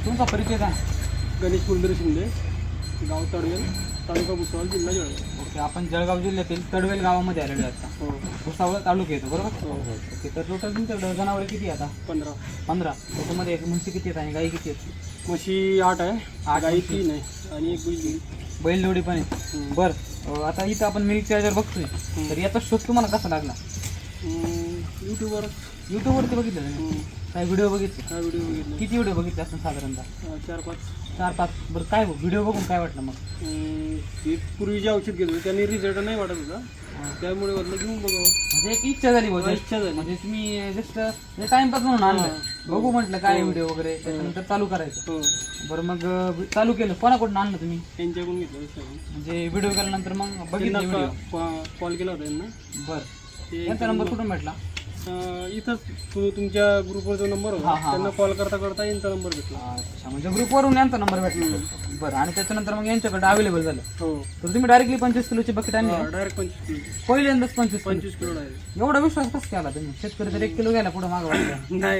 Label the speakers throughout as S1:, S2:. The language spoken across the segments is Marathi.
S1: तुमचा परिचय का?
S2: गणेश मुरलीधर शिंदे, गाव तडवेल, तालुका भुसावळ, जिल्हा जळगाव.
S1: ओके, आपण जळगाव जिल्ह्यातील तडवेल गावामध्ये आलेलो आहे आता.
S2: हो
S1: भुसावळ तालुका येतो बरोबर?
S2: हो.
S1: ओके, तर टोटल तुमच्याकडे जनावरे किती आहे आता? 15. त्याच्यामध्ये म्हशी किती आहेत आणि गाई किती आहेत?
S2: म्हशी 8 आहे,
S1: 8
S2: गाई
S1: म्हशी.
S2: 3 आहे आणि एक बैल.
S1: बैलजोडी पण आहे. बरं, आता इथं आपण मिल्क चार्जर बघतोय, तर याचा शोध तुम्हाला कसा लागला?
S2: यूट्यूबवर
S1: यूट्यूबवरती बघितलं तुम्ही? काय व्हिडिओ बघितले?
S2: हा व्हिडिओ बघितला.
S1: किती व्हिडिओ बघितले असं साधारणतः?
S2: 4-5.
S1: 4-5. बरं, काय व्हिडिओ बघून काय वाटलं मग?
S2: ते पूर्वी जे औषध घेत होते त्यांनी रिझल्ट नाही वाटत होता, त्यामुळे वाटलं घेऊन बघावं.
S1: म्हणजे एक इच्छा झाली
S2: हा,
S1: बोलतो.
S2: इच्छा झाली.
S1: म्हणजे तुम्ही जस्ट टाइमपास म्हणून आणलं.
S2: हा.
S1: बघू म्हटलं काय
S2: हो.
S1: व्हिडिओ वगैरे, त्याच्यानंतर चालू करायचं.
S2: हो,
S1: बरं, मग चालू केलं. कोणाकडून आणलं तुम्ही?
S2: त्यांच्याकडून घेतलं दुसऱ्याकडून.
S1: म्हणजे व्हिडिओ केल्यानंतर मग बघितलं
S2: त्यांना
S1: व्हिडिओ.
S2: कॉल केला होता त्यांना.
S1: बरं, यांचा नंबर कुठून भेटला?
S2: इथंच तुमच्या ग्रुपवर जो नंबर
S1: हा,
S2: होता
S1: हा.
S2: त्यांना कॉल करता करता यांचा नंबर भेटला.
S1: अच्छा, म्हणजे ग्रुपवरून यांचा नंबर भेटला. बरं, आणि त्याच्यानंतर मग यांच्याकडे अवेलेबल झालं.
S2: हो,
S1: तर तुम्ही डायरेक्टली 25 किलोची बकेट आणली का?
S2: Direct 25 kilo.
S1: पहिल्यांदाच 25 किलो.
S2: 25 kilo direct.
S1: एवढा विश्वास कसं केला तुम्ही? शेतकरी तर 1 किलो घ्यायला पुढे मागं वाटलं.
S2: नाही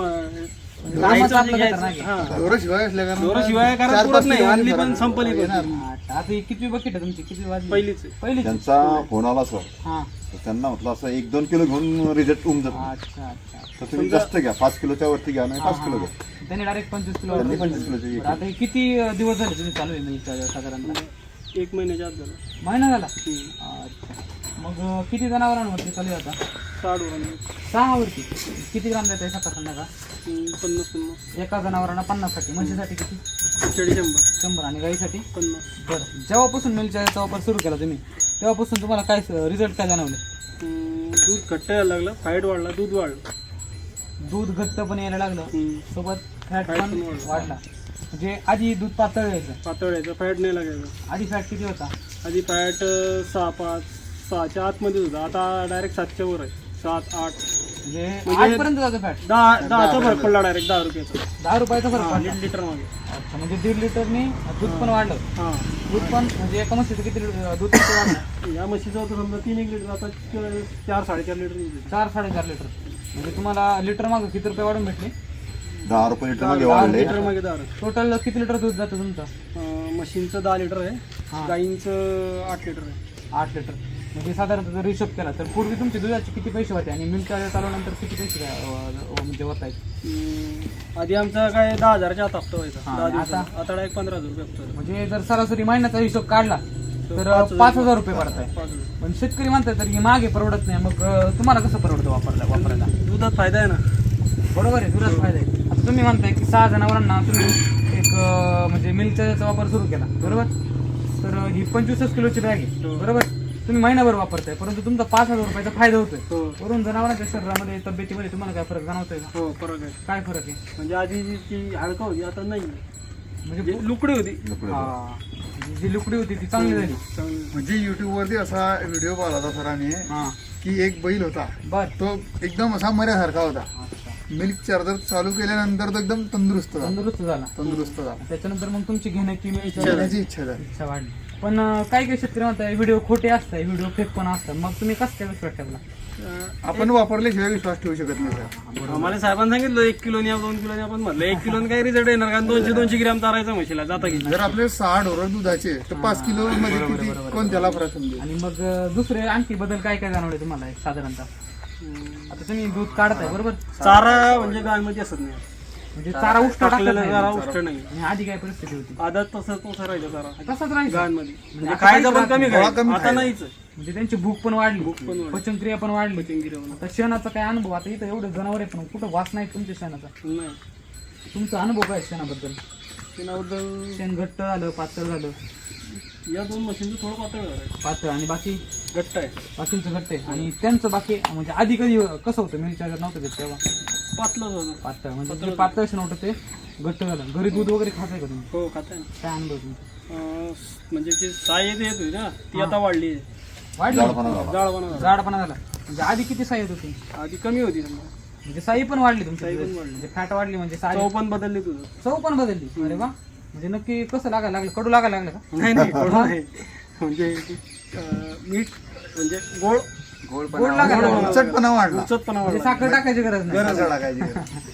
S1: कामाचं आपलं खतरनाक आहे.
S2: शिवाय कारण पुरत नाही, आणली पण संपली पण.
S1: अच्छा, आता ही किती बकेट आहे तुमची? किती वाजली?
S2: पहिलीच आहे.
S1: पहिली.
S3: त्यांचा फोन आला सर,
S1: हा.
S3: तर त्यांना म्हटलं असं 1-2 किलो घेऊन रिजेक्ट होऊन जातो.
S1: अच्छा अच्छा.
S3: तर तुम्ही जास्त घ्या, 5 किलोच्या वरती घ्या नाही 5 किलो घ्या.
S1: त्यांनी डायरेक्ट 25 किलो
S3: त्यांनी
S1: order
S3: 25 किलोची
S1: केली. बरं, आता हे किती दिवस झाले तुम्ही चालू आहे मिल्क चार्जर साधारणतः?
S2: 1 महिन्याच्या आत झालं.
S1: महिना झाला? अच्छा. मग किती जनावरांवरती चालू आहे आता?
S2: 60 वरांनी.
S1: 6 वरती. किती ग्राम देत आहे सकाळ संध्याकाळ?
S2: 50-50.
S1: एका जनावरांना 50 साठी. म्हशीसाठी किती?
S2: 100.
S1: 100. आणि गाईसाठी?
S2: 50.
S1: बरं, जेव्हापासून मिल्क चार्जरचा वापर सुरू केला तुम्ही, तेव्हापासून तुम्हाला काय रिझल्ट काय जाणवले?
S2: दूध घट्ट यायला लागलं, फाईट वाढला, दूध वाढलं.
S1: दूध घट्ट पण यायला लागलं, सोबत फॅट
S2: Fat
S1: पण
S2: पण वाढलं.
S1: वाढला. म्हणजे आधी दूध पातळ यायचं.
S2: पातळ यायचं, फॅट नाही लागायचं.
S1: आधी फॅट किती होता?
S2: आधी फॅट 6-5-6च्या आतमध्ये होता, आता डायरेक्ट 7च्या वर आहे. 7-8.
S1: म्हणजे
S2: म्हणजे
S1: 8 पर्यंत जातो फॅट.
S2: 10चा फरक पडला डायरेक्ट, 10 रुपयाचा.
S1: 10 रुपयाचा फरक पडला.
S2: लिटर मागे.
S1: अच्छा, म्हणजे 1.5 लिटरनी दूध पण वाढलं.
S2: हा,
S1: दूध पण म्हणजे एका म्हशीचं किती दूध किती वाढलं?
S2: या म्हशीचं होतं समजा 3-1 लिटर, आता 4-4.5 लिटर निघते.
S1: 4-4.5 लिटर. म्हणजे तुम्हाला लिटर मागं किती रुपये वाढून भेटले?
S3: 10 रुपये लिटर मध्ये
S1: 10
S3: वाढले.
S2: लिटर मागे 10.
S1: टोटल किती लिटर दूध जातं तुमचं?
S2: म्हशींचं 10 लिटर
S1: हा.
S2: आहे, गाईंचं 8 लिटर आहे.
S1: 8 लिटर. म्हणजे साधारणतः जर हिशोब केला तर पूर्वी तुमचे दुधाचे किती पैसे होते आणि मिल्क चार्जर चालवल्यानंतर किती पैसे म्हणजे होत आहेत?
S2: आधी आमचा काय 10,000च्या आत हप्ता व्हायचा.
S1: हा,
S2: 10 दिवसाचा.
S1: आता?
S2: आता डायरेक्ट 15,000 रुपये हप्ता.
S1: म्हणजे जर सरासरी महिन्याचा हिशोब काढला तर 5,000 रुपये पडत आहे. पण शेतकरी म्हणतात तर ही मागे परवडत नाही. मग तुम्हाला कसं परवडतं वापरायला?
S2: दुधात फायदा आहे ना.
S1: बरोबर आहे, दुधाचा फायदा आहे. आता तुम्ही म्हणताय की 6 जनावरांना तुम्ही एक म्हणजे मिल्क चार्जरचा वापर सुरू केला बरोबर, तर ही 25 किलोची बॅग आहे बरोबर, तुम्ही महिनाभर वापरताय, परंतु तुमचा 5,000 रुपयाचा फायदा होतोय.
S2: हो.
S1: वरून जनावरांच्या शरीरामध्ये तब्येतीमध्ये तुम्हाला काय फरक जाणवतोय का?
S2: हो, फरक आहे.
S1: काय फरक आहे?
S2: म्हणजे आधी जी हाडकं होती आता नाही,
S1: म्हणजे
S2: लुकडी होती.
S1: हा, जी लुकडी होती ती चांगली झाली.
S2: चांगली.
S4: म्हणजे युट्यूब वरती असा व्हिडिओ पाहिला होता सरांनी
S1: हा,
S4: की एक बैल होता,
S1: बर.
S4: तो एकदम असा मऱ्यासारखा होता.
S1: अच्छा,
S4: मिल्क चार्जर चालू केल्यानंतर तो एकदम तंदुरुस्त झाला.
S1: तंदुरुस्त झाला. त्याच्यानंतर मग तुमची घेण्याची
S4: घेण्याची इच्छा झाली.
S1: इच्छा वाढली. पण काही काही शेतकरी म्हणतात व्हिडिओ खोटे असतात, व्हिडिओ फेक पण असतात. मग तुम्ही कसं काय विश्वास ठेवला?
S4: आपण वापरल्याशिवाय विश्वास ठेवू शकत नाही सर.
S2: आम्हाला साहेबांनी सांगितलं 1 किलोनी 2 किलोनी. आपण म्हटलं 1 किलोनी काही रिझल्ट येणार, कारण 200 ग्रॅम चारायचं म्हशीला जाता की.
S4: जर आपले 6 ढोरं दुधाचे तर 5 किलो मध्ये किती कोणत्याला फरक समजेल?
S1: आणि मग दुसरे आणखी बदल काय काय जाणवले तुम्हाला एक साधारणतः? आता तुम्ही दूध काढताय बरोबर,
S2: चारा म्हणजे गायमध्ये असत नाही,
S1: म्हणजे चारा उष्ट
S2: टाकलेला चारा
S1: टाकलेला
S2: उष्ट नाही.
S1: आणि आधी काय परिस्थिती होती?
S2: आदत तसं राहिलं चारा
S1: तसंच राहायचं.
S2: गायमध्ये.
S1: म्हणजे
S2: म्हणजे
S1: आता
S2: खायचं पण
S1: काहीच
S2: कमी
S4: गोळा
S2: खायचं,
S4: कमी
S2: आता
S4: खायचं.
S2: नाहीच.
S1: म्हणजे त्यांची भूक पण वाढली,
S2: पण वाढली.
S1: पचनक्रिया पण वाढली.
S2: पचनगिरी
S1: आता शेणाचा काय अनुभव? आता इथं एवढे जनावर आहे पण कुठं वास नाही तुमच्या शेणाचा.
S2: नाही.
S1: तुमचा अनुभव काय शेणाबद्दल?
S2: शेणाबद्दल
S1: शेण घट्ट झालं, पातळ झालं?
S2: या 2 मशीनचं थोडं पातळ झालं,
S1: पातळ. आणि बाकी
S2: घट्ट आहे.
S1: बाकींचं घट्ट आहे. आणि त्यांचं बाकी म्हणजे आधी कधी कसं होतं मिल्क चार्जर नव्हतं घेत तेव्हा?
S2: पातलं झालं.
S1: पातळ. म्हणजे जे पातळ शेण होतं ते घट्ट झालं. घरी दूध वगैरे खाताय का तुम्ही?
S2: हो, खात आहे ना.
S1: काय अनुभव तुमचा?
S2: म्हणजे जी साय येत होती ना ती आता वाढली,
S1: वाढली?
S3: जाडपणा झाला.
S2: जाळपणा झाला.
S1: जाडपणा झाला. म्हणजे आधी किती साई येत होती?
S2: आधी कमी होती समजा.
S1: म्हणजे साई पण वाढली तुमची?
S2: साई पण वाढली.
S1: म्हणजे फॅट वाढली म्हणजे साई
S2: चव पण बदलली तुझं.
S1: चव पण बदलली. अरे वा. म्हणजे नक्की कसं लागायला लागलं? कडू लागायला लागलं का?
S2: नाही नाही, गोड नाही. म्हणजे मीठ म्हणजे गोड
S1: गोड लागायला लागलं.
S4: उचटपणा वाढला.
S2: उचतपणा
S1: म्हणजे
S2: वाढला.
S1: साखर टाकायची गरज नाही.
S4: गरज टाकायची गरज.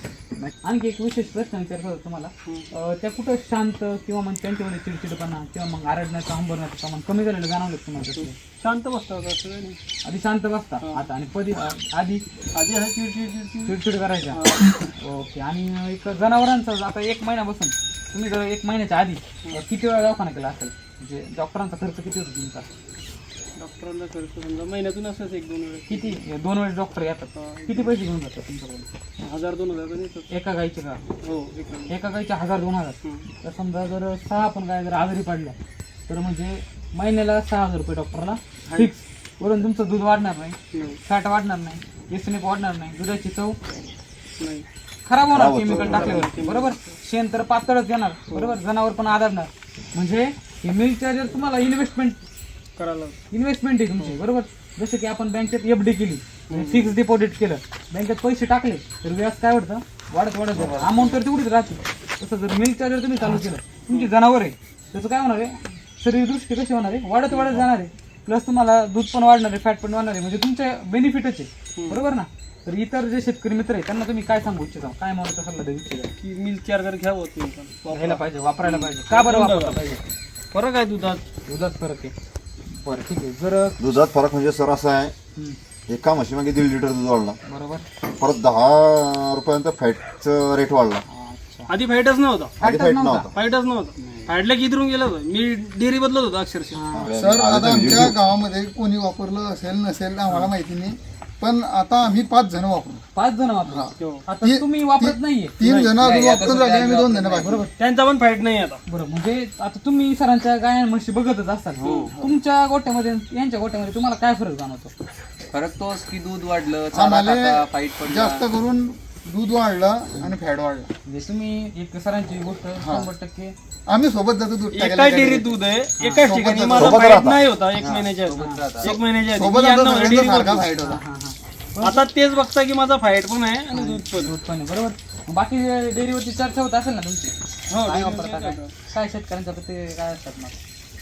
S1: आणखी एक विशेष प्रश्न विचारतो होतो तुम्हाला. त्या कुठं शांत किंवा मग त्यांच्यामध्ये चिडचिडपणा किंवा मग आरडण्याचं हंबरण्याचं प्रमाण कमी झालेलं जाणवलं तुम्हाला तसं?
S2: शांत बसतात असं काही नाही.
S1: आधी शांत बसता आता आणि आधी
S2: आधी हा चिडचिड
S1: चिडचिड करायच्या. ओके. आणि एक जनावरांचं आता 1 महिना बसून तुम्ही जर 1 महिन्याच्या आधी किती वेळा दवाखाना केला असेल, म्हणजे डॉक्टरांचा खर्च किती होतो तुमचा?
S2: डॉक्टरांना खर्च समजा महिन्यातून असंच 1-2 वेळेस
S1: किती? 2 वेळेस डॉक्टर येतात. किती पैसे घेऊन जातात तुमच्याकडून?
S2: 1000-2000 पण येतात.
S1: एका गाईचे का?
S2: हो
S1: एका गाईचे 1000-2000. तर समजा जर 6 पण गाय जर आजारी पडल्या तर म्हणजे महिन्याला 6000 रुपये डॉक्टरला फिक्स. वरून तुमचं दूध वाढणार नाही, फॅट वाढणार नाही, एसनेप वाढणार नाही, दुधाची चव
S2: नाही,
S1: खराब होणार केमिकल टाकल्यावर. बरोबर. शेण तर पातळच येणार. बरोबर. जनावर पण आधारणार. म्हणजे हे मिल्क चार्जर तुम्हाला इन्व्हेस्टमेंट
S2: करायला
S1: आहे तुमची. बरोबर. जसं की आपण बँकेत FD केली, फिक्स डिपॉझिट केलं, बँकेत पैसे टाकले तर व्याज काय वाढतं? वाढत जातं. अमाऊंट तर तेवढीच राहते. तसं जर मिल्क चार्जर तुम्ही चालू केलं, तुमची जनावर आहे त्याचं काय होणार आहे? शरीरदृष्टी कशी होणार आहे? वाढत जाणार आहे. प्लस तुम्हाला दूध पण वाढणार आहे, फॅट पण वाढणार आहे. म्हणजे तुमचे बेनिफिटच आहे. बरोबर ना. तर इतर जे शेतकरी मित्र आहे त्यांना तुम्ही काय सांगू इच्छिता? काय मला सल्ला देऊ इच्छिता?
S2: की मिल्क चार्जर घ्यावं तुम्ही पण.
S1: घ्यायला पाहिजे, वापरायला पाहिजे. का बरं वापरायला पाहिजे?
S2: फरक आहे दुधात.
S1: दुधात फरक आहे. बरं ठीक आहे. जर
S3: दुधात फरक म्हणजे सर असा आहे, एका म्हशीमागे 1.5 लिटर दूध वाढला,
S1: बरोबर.
S3: परत 10 रुपयांचा फॅटचा रेट वाढला.
S2: आधी फाईटच नव्हता.
S3: आधी फॅट नव्हता.
S2: फाईटच नव्हता. फाईटला किती गेलं होतं. मी डेअरी बदलत होतो अक्षरशः.
S4: सर आता आमच्या गावामध्ये कोणी वापरलं असेल नसेल आम्हाला माहिती नाही, पण आता आम्ही 5 जण वापरू.
S1: 5 जण वापरा.
S2: हो.
S1: आता तुम्ही वापरत नाहीये.
S4: 3 जण अजून वापरून राहिले, आम्ही 2 जण बाकी.
S1: बरोबर.
S2: त्यांचा पण फाईट नाही आता.
S1: बरोबर. म्हणजे आता तुम्ही सरांच्या गाया म्हशी बघतच असतात. तुमच्या गोट्यामध्ये यांच्या गोट्यामध्ये तुम्हाला काय फरक जाणवतो?
S5: फरक तोच की दूध वाढलं, चारा
S4: आम्हाला
S5: टाका, फाईट पडला.
S4: जास्त करून दूध वाढलं आणि फॅट वाढलं.
S1: म्हणजे तुम्ही एक सरांची गोष्ट 100%
S4: आम्ही सोबत जातो दूध
S2: एका
S4: टाकायला.
S2: डेअरीत दूध आहे, एकाच ठिकाणी माझा
S3: सोबत
S2: फाईट
S3: राहता.
S2: नाही होता 1 महिन्याच्या आधी. 1 महिन्याच्या
S4: सोबत
S2: आधी. यांना
S4: आता
S2: डेअरी
S4: सगळ्यांचा सारखा
S2: बदलली.
S4: फाईट होता.
S2: आता तेच बघता की माझा फाईट पण आहे आणि दूध पण.
S1: दूध पण आहे. बरोबर. मग बाकी डेअरीवरती चर्चा होत असेल ना तुमची?
S2: हो,
S1: काय वापरता काय शेतकऱ्यांच्या प्रति काय असतात मग?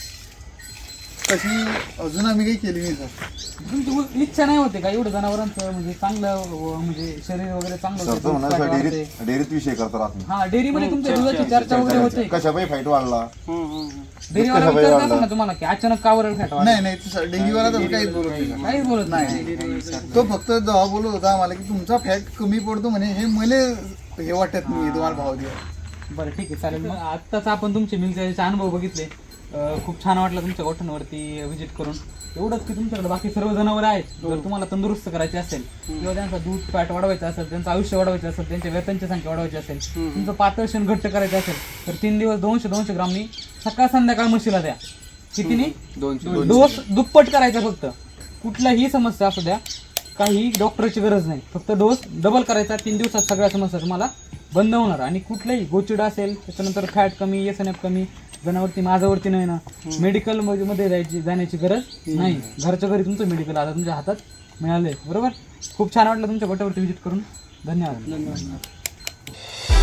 S4: तशी अजून आम्ही काही केली नाही सर.
S1: तुमची इच्छा नाही होते का एवढं जनावरांचं म्हणजे चांगलं म्हणजे शरीर वगैरे चांगलं
S3: सर
S1: होते,
S3: तर म्हणायचं
S1: fat वाढते.
S3: डेअरीत विषय करता राहत नाही.
S1: हा डेअरीमध्ये तुमच्या दुधाची चर्चा वगैरे होते.
S3: कशापाई फाईट वाढला,
S1: डेअरीवाला विचारत असेल ना तुम्हाला की अचानक का वरळ फॅट वाढला?
S4: नाही नाही डेअरीवाला तसं काहीच बोलत नाही सर.
S1: काहीच बोलत नाही.
S4: तो फक्त जेव्हा बोलत होता आम्हाला की तुमचा फॅट कमी पडतो म्हणे, हे मला हे वाटत नाही तुम्हाला भाव द्या.
S1: बरं ठीक आहे चालेल. मग आत्ताच आपण तुमचे मिल्कचे अनुभव बघितले. खूप छान वाटलं तुमच्या गोठ्यांवरती व्हिजिट करून. एवढंच की तुमच्याकडे बाकी सर्व जनावर आहेत. जर तुम्हाला तंदुरुस्त करायचे असेल किंवा त्यांचा दूध फॅट वाढवायचं असेल, त्यांचं आयुष्य वाढवायचं असेल, त्यांच्या वेतनची संख्या वाढवायची असेल, तुमचं पातळ शेण घट्ट करायचं असेल तर 3 दिवस 200 ग्रामनी सकाळ संध्याकाळ म्हशीला द्या. कितीनी?
S5: 200.
S1: डोस दुप्पट करायचा फक्त. कुठल्याही समस्या असू द्या, काही डॉक्टरची गरज नाही. फक्त डोस डबल करायचा. 3 दिवसात सगळ्या समस्या तुम्हाला बंद होणार. आणि कुठल्याही गोचिडा असेल, त्याच्यानंतर फॅट कमी, एसएनएफ कमी, जनावरती माझ्यावरती नाही ना, मेडिकल मध्ये जाण्याची गरज नाही. घरच्या घरी तुमचं मेडिकल आता तुमच्या हातात मिळालंय. बरोबर. खूप छान वाटलं तुमच्या गोट्यावरती व्हिजिट करून. धन्यवाद.